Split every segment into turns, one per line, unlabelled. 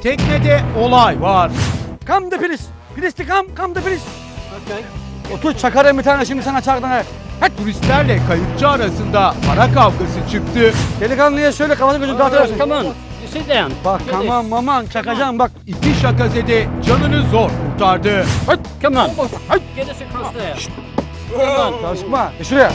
teknede olay var.
Come the police. Police to come the police.
Okay.
Otur çakarım bir tane şimdi sana çardan.
Turistlerle kayıkçı arasında para kavgası çıktı.
Delikanlıya söyle kafasını gözünü dağıtırsın.
Come on. You sit down.
Bak
Do
tamam
this.
maman çakacağım bak.
İki şakazede canını zor kurtardı.
Come on. Get us across there. Come on.
Karışma. Şuraya.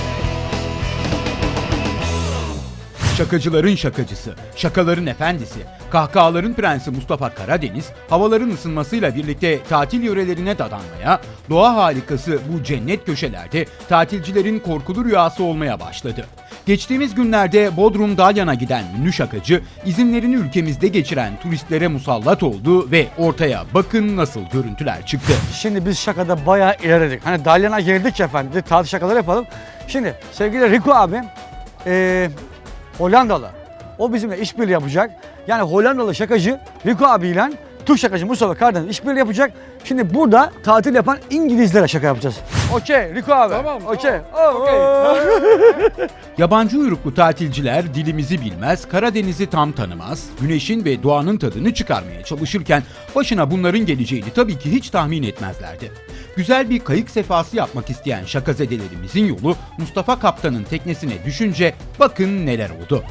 Şakacıların şakacısı, şakaların efendisi, kahkahaların prensi Mustafa Karadeniz, havaların ısınmasıyla birlikte tatil yörelerine dadanmaya, doğa harikası bu cennet köşelerde tatilcilerin korkulu rüyası olmaya başladı. Geçtiğimiz günlerde Bodrum Dalyan'a giden ünlü şakacı, izinlerini ülkemizde geçiren turistlere musallat oldu ve ortaya bakın nasıl görüntüler çıktı.
Şimdi biz şakada bayağı ilerledik. Hani Dalyan'a girdik efendim. Tatil şakaları yapalım. Şimdi sevgili Rico abi Hollandalı. O bizimle işbirliği yapacak. Yani Hollandalı şakacı Rico abiyle Türk şakacı Mustafa Karadeniz işbirliği yapacak. Şimdi burada tatil yapan İngilizlere şaka yapacağız. Okey Rico abi.
Tamam,
Okey.
Yabancı uyruklu tatilciler dilimizi bilmez, Karadeniz'i tam tanımaz, güneşin ve doğanın tadını çıkarmaya çalışırken başına bunların geleceğini tabii ki hiç tahmin etmezlerdi. Güzel bir kayık sefası yapmak isteyen şakazedelerimizin yolu Mustafa Kaptan'ın teknesine düşünce bakın neler oldu.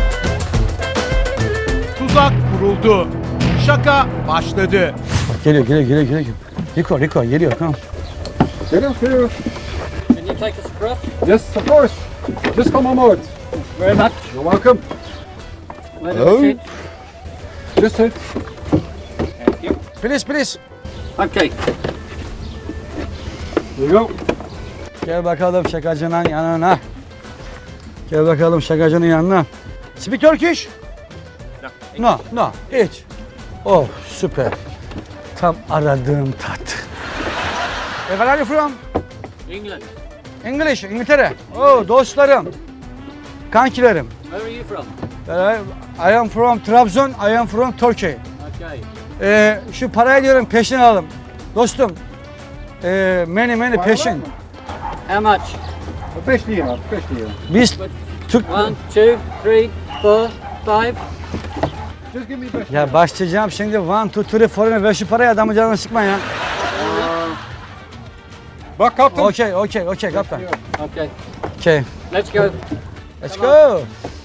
Tuzak kuruldu. Şaka başladı.
Geliyor. Rico geliyor. Tamam.
Geliyor.
Can you take us across?
Yes, of course. Just come on board.
Very much.
You're welcome.
Where do we sit?
Just sit.
Thank you.
Please.
Okay.
Here you go.
Gel bakalım şakacının yanına. Gel bakalım şakacının yanına. Speak Turkish? No. Hiç. Oh süper. Tam aradığım tat. Where are you from?
England.
English, İngiltere. Oh dostlarım. Kankilerim.
Where are you from?
I am from Trabzon, I am from Turkey.
Okay.
Şu parayı diyorum peşin alalım. Dostum. Many peşin.
How much?
5 lira. 5 lira.
Biz Türk...
1, 2, 3, 4, 5.
Just give me 5
Ya başlayacağım şimdi 1, 2, 3, 4 ver şu parayı adamın canını sıkma ya.
Bak kaptan.
Okay, kaptan.
Okay.
Okay,
Let's go.
let's go.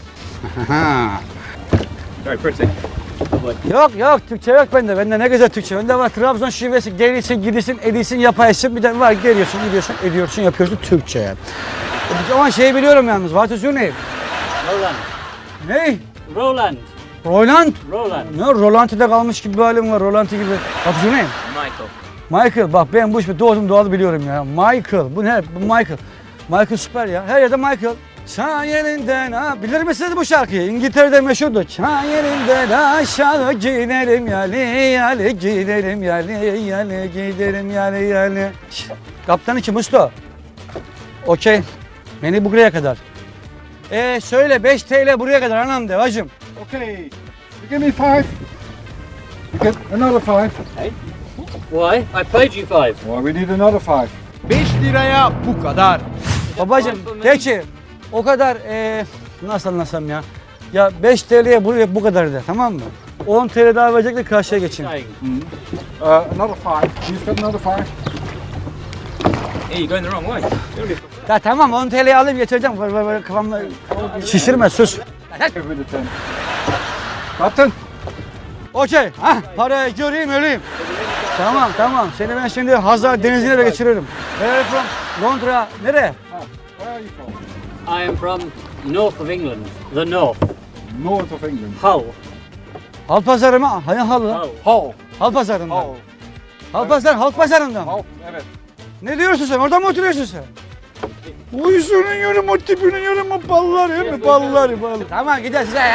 Very pretty.
Yok Türkçe yok bende. Bende ne güzel Türkçe. Bende var Trabzon şivesi. Gelirsin, gidiyorsun, ediyorsun, yapaysın. Bir de var geliyorsun, gidiyorsun, ediyorsun, yapıyorsun Türkçe yani. Ama şeyi biliyorum yalnız. What is your name?
Roland.
Ne?
Roland.
Roland?
Roland.
Ne? Rolanti'de kalmış gibi bir halim var. Rolanti gibi. What is your name?
Michael.
Michael. Bak ben bu işi doğdum doğalı biliyorum ya. Michael. Bu ne? Bu Michael. Michael süper ya. Her yerde Michael. Çay yerinden ha. Bilir misiniz bu şarkıyı? İngiltere'de meşhurdu. Çay yerinden aşağı gidelim yali gidelim yali gidelim yali. Kaptan iki Musto. Okey. Beni buraya kadar. Söyle 5 TL buraya kadar anam de bacım.
Okay. You give me 5. You get another 5.
Why? I paid you 5.
Well, we need another 5.
5 liraya bu kadar.
Babacım de ki o kadar nasıl anlasam ya. Ya 5 TL'ye buraya bu kadar de tamam mı? 10 TL daha verecek de karşıya geçeyim.
Saying.
Another 5. You've got another 5.
Hey, you're going the wrong way.
Ya tamam 10 TL'yi alayım getireceğim. Böyle kafamda şişirme sus.
Give me the 10. Kaptan.
Okey. Parayı göreyim öleyim. Tamam. Seni ben şimdi Hazar Denizi'ne de geçiririm. Where are you from? Londra. Nereye?
Where are you from?
I am from north of England. The north.
North of England.
Hull.
Halpazarı mı? Hani halı?
Hull.
Hull.
Halpazarı'ndan.
Hull.
Halk pazarından.
Hull. Evet.
Ne diyorsun sen? Orada mı oturuyorsun sen? Uyusunun yürüm o tipinin yürüm o balları mi? Balları. Tamam gidelim size.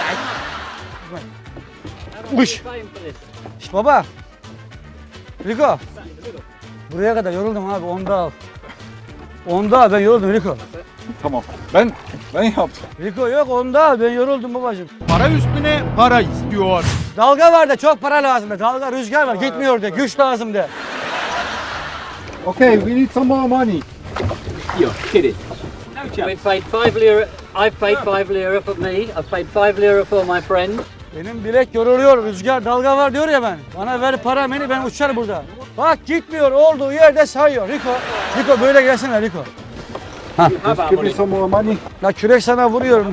Uş.
Paying for this.
Şşt baba. Rico. Buraya kadar yoruldum abi. Onda al. Ben yoruldum Rico.
Tamam. Ben yaptım.
Rico yok onda al. Ben yoruldum babacığım.
Para üstüne para istiyor.
Dalga var da çok para lazım de. Dalga rüzgar var. Gitmiyor de. Güç lazım de.
Okay, we need some more money.
You're kidding. We paid 5 lira. I've paid 5 lira for me. I've paid 5 lira for my friend.
Benim bilek yoruluyor, rüzgar, dalga var diyor ya ben. Bana ver para beni, ben uçar burada. Bak gitmiyor, olduğu yerde sayıyor. Rico böyle gelsene Rico.
Just give me some more money.
La kürek sana vuruyorum.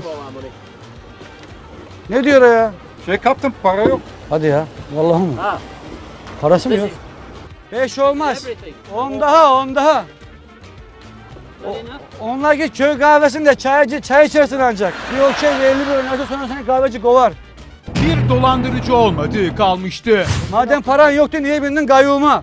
Ne diyor o ya?
Şey kaptım, para yok.
Hadi ya, vallahi mı?
Ah,
Parası mı
this
yok?
is
5 olmaz.
everything.
10 daha, 10 daha.
Good enough?
Onlar git köy kahvesinde çay içersin ancak. Bir okey 50 bir oynarsa sonra seni kahveci kovar.
Bir dolandırıcı olmadığı kalmıştı.
Madem paran yoktu niye bindin gayyuma?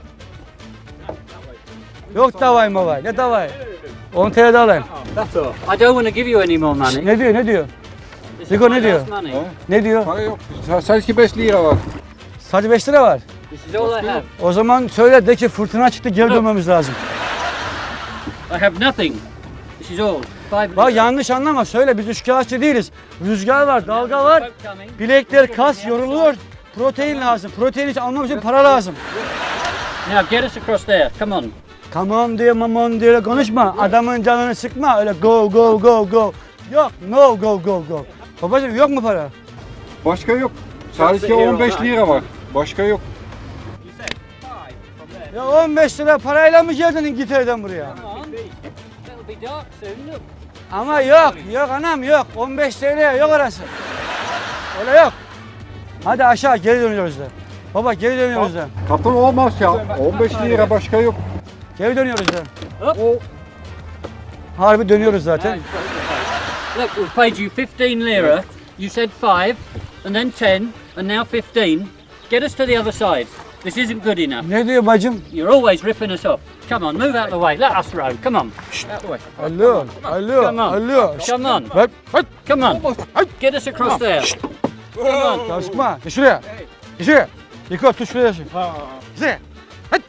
Yok davay mavay. Ne davay? 10 TL de alayım.
That's all. I don't want to give you any more money.
Ne diyor ne diyor?
This is
Rico,
my
ne diyor?
last money.
Ne diyor?
Para yok. Sadece 5 lira var.
Sadece 5 lira var.
This is all I have.
O zaman söyle de ki fırtına çıktı geri dönmemiz lazım.
I have nothing. This is all. 5
Bak yanlış anlama söyle biz üçkağıtçı değiliz. Rüzgar var, dalga var.
Boat coming.
Bilekler kas yoruluyor. Protein lazım. Protein için almam için para lazım.
Now get us across there. Come on.
Come on diye mamon diye konuşma. Adamın canını sıkma. Öyle go go go go. Yok no go go go. Babacığım yok mu para?
Başka yok. Sadece 15 lira var. Başka yok.
Ya 15 lira parayla mı geldin İngiltere'den buraya?
Come on. It'll be dark soon. Look.
Ama yok anam yok. 15 TL yok orası. Öyle yok. Hadi aşağı geri dönüyoruz da. Baba geri dönüyoruz da.
Kaptan olmaz ya. 15 lira başka yok.
Geri dönüyoruz da.
Up.
Harbi dönüyoruz zaten.
Look, we've paid you 15 lira. You said 5, and then 10, and now 15. Get us to the other side. This isn't good enough.
Ne diyor bacım?
You're always ripping us off. Come on, move out the way. Let us row. Come on. Out the way.
Alo, alo,
Come on.
alo.
Come on.
Ver, ver.
Come on. Get us across there. Come on.
Ya sıkma. Gel şuraya. Gel şuraya. Yıkı tut şuraya. Şuraya. Hadi.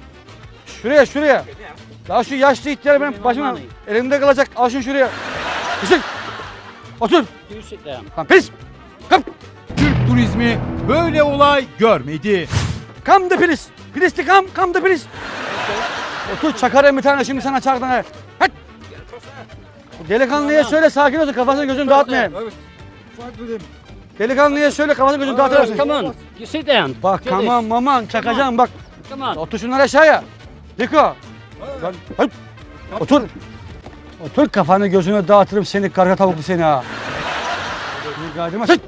Şuraya. Daha şu yaşlı ihtiyar benim başıma elimde kalacak. Al şunu şuraya. Gel. Otur.
You sit down.
Lan pis. Come.
Türk turizmi böyle olay görmedi.
Come the please. Please to come the please. Otur çakarım bir tane şimdi sana çardan. Hadi. Delikanlıya söyle sakin olsun kafasını gözünü dağıtmayayım.
Evet. Fight with him.
Delikanlıya söyle kafasını gözünü dağıtır
Come on. You sit down.
Bak
Do
tamam
this.
maman çakacağım bak.
Come on.
Otur şunları aşağıya. Riko. Lan, hayır. Otur. Otur kafanı gözünü dağıtırım seni karga tavuklu seni ha. Bir gardırma sıç.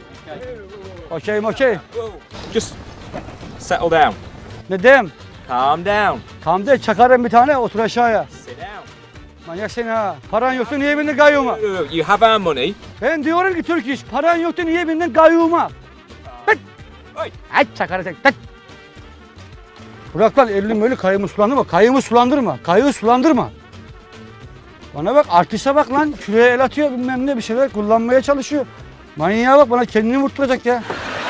Okey.
Just settle down.
Ne diyeyim?
Calm down.
Tam de çakarım bir tane otur aşağıya.
Sit down.
Manyak seni ha. Paran yoktu niye bindin gayyuma?
You have our money.
Ben diyorum ki Türk iş. Paran yoktu niye bindin gayyuma? Tık. Ay çakarı tek tık. Bırak lan elini böyle kayımı sulandırma. Bana bak artiste bak lan. Şuraya el atıyor bilmem ne bir şeyler kullanmaya çalışıyor. Manyağa bak bana kendini vurtturacak ya.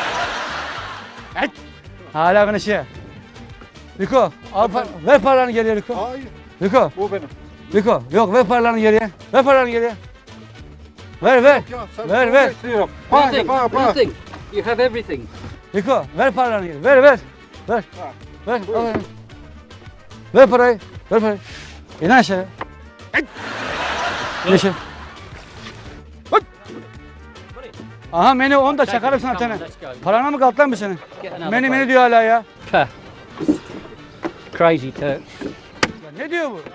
Evet. Hala konuşuyor. Riko al ver paralarını geriye Riko.
Hayır.
Riko.
Bu benim.
Riko yok ver paralarını geriye. Ver paralarını geriye. Ver.
Ya, sen
Ver.
15 lira. Para.
Nothing. You have everything.
Riko ver paralarını geriye. Ver. Al. Ver parayı. İn aşağı. İn aşağı. Aha menü 10 da çakarım sana
Come on,
tane.
let's go.
Parana mı kaldı lan bir senin?
Get another
Menü
boat.
diyor hala ya.
Puh. Crazy Turk.
Ya ne diyor bu?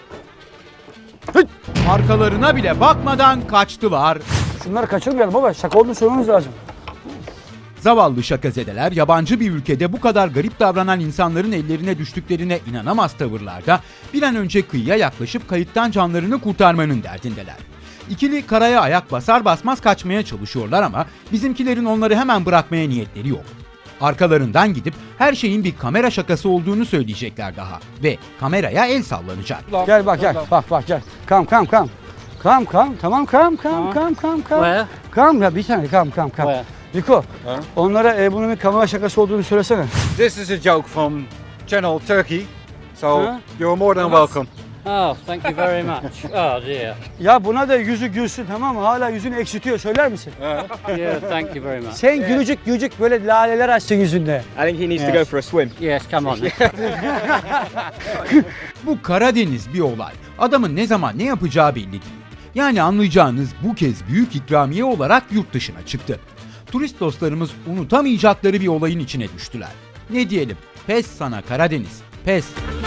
Arkalarına bile bakmadan kaçtılar.
Şunları kaçırmayalım baba. Şaka olduğunu söylememiz lazım.
Zavallı şakazedeler yabancı bir ülkede bu kadar garip davranan insanların ellerine düştüklerine inanamaz tavırlarda bir an önce kıyıya yaklaşıp kayıptan canlarını kurtarmanın derdindeler. İkili karaya ayak basar basmaz kaçmaya çalışıyorlar ama bizimkilerin onları hemen bırakmaya niyetleri yok. Arkalarından gidip her şeyin bir kamera şakası olduğunu söyleyecekler daha ve kameraya el sallanacak.
Gel bak gel. Bak gel. Come. Tamam come.
Where?
Come ya bir tane come.
Where?
Niko onlara bunun bir kamera şakası olduğunu söylesene.
This is a joke from Channel Turkey. So
Huh?
you're more than welcome.
Oh, thank you very much. Oh dear.
Ya buna da yüzü gülsün tamam mı? Hala yüzünü eksiltiyor söyler misin?
Yeah, thank you very much.
Sen gülücük böyle laleler açsın yüzünde.
I think he needs to go for a swim.
Yes, come on.
Bu Karadeniz bir olay. Adamın ne zaman ne yapacağı belli değil. Yani anlayacağınız bu kez büyük ikramiye olarak yurt dışına çıktı. Turist dostlarımız unutamayacakları bir olayın içine düştüler. Ne diyelim? Pes sana Karadeniz, pes.